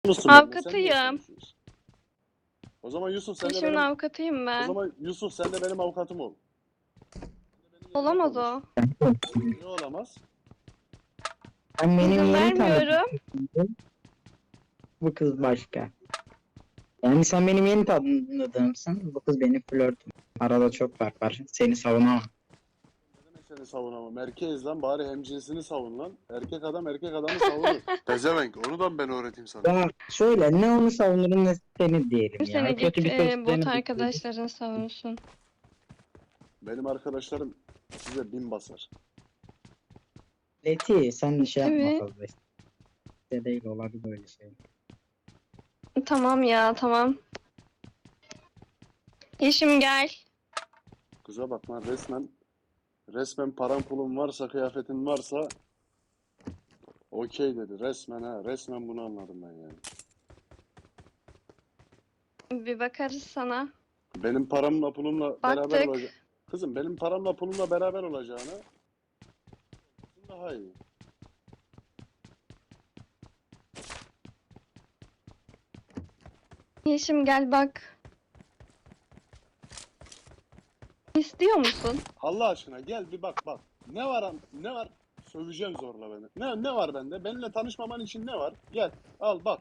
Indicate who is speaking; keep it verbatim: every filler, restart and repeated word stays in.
Speaker 1: musun benimle? Sen niye
Speaker 2: Avukatıyım.
Speaker 1: konuşuyorsun? O zaman Yusuf sen de
Speaker 2: Eşimin
Speaker 1: benim
Speaker 2: avukatıyım
Speaker 1: o
Speaker 2: ben.
Speaker 1: zaman Yusuf sen de benim avukatım ol. Sen de benim yerime
Speaker 2: Olamaz
Speaker 1: konuş.
Speaker 2: o.
Speaker 1: Niye olamaz?
Speaker 3: Ben benim
Speaker 2: İzin
Speaker 3: yeni tanıdım.
Speaker 2: vermiyorum.
Speaker 3: Bu kız başka. Yani sen benim yeni tanıdığımsın. Bu kız benim flörtüm. Arada çok fark var. Seni savunamam.
Speaker 1: Ne demek seni savunamam? Erkeğiz lan bari hemcinsini savun lan. Erkek adam erkek adamı savunur. Pezevenk onu da mı ben öğreteyim sana?
Speaker 3: Ya şöyle ne onu savunurum ne seni diyelim
Speaker 2: Seni
Speaker 3: ya.
Speaker 2: git
Speaker 3: Kötü bir
Speaker 2: e,
Speaker 3: söz
Speaker 2: bot
Speaker 3: seni
Speaker 2: arkadaşların savunsun.
Speaker 1: Benim arkadaşlarım size bin basar.
Speaker 3: Leti sen de şey yapma
Speaker 2: Tabii.
Speaker 3: fazla. İşte değil olabilir böyle şey.
Speaker 2: Tamam ya tamam. Yeşim gel.
Speaker 1: Kıza bak lan resmen resmen paran pulun varsa kıyafetin varsa okey dedi. Resmen ha resmen bunu anladım ben yani.
Speaker 2: Bir bakarız sana.
Speaker 1: Benim paramla pulumla beraber
Speaker 2: Baktık.
Speaker 1: olacak. Kızım benim paramla pulumla beraber olacağına daha iyi.
Speaker 2: Yeşim gel bak. İstiyor musun?
Speaker 1: Allah aşkına gel bir bak bak. Ne var am- ne var? Söveceğim zorla beni. Ne ne var bende? Benimle tanışmaman için ne var? Gel al bak.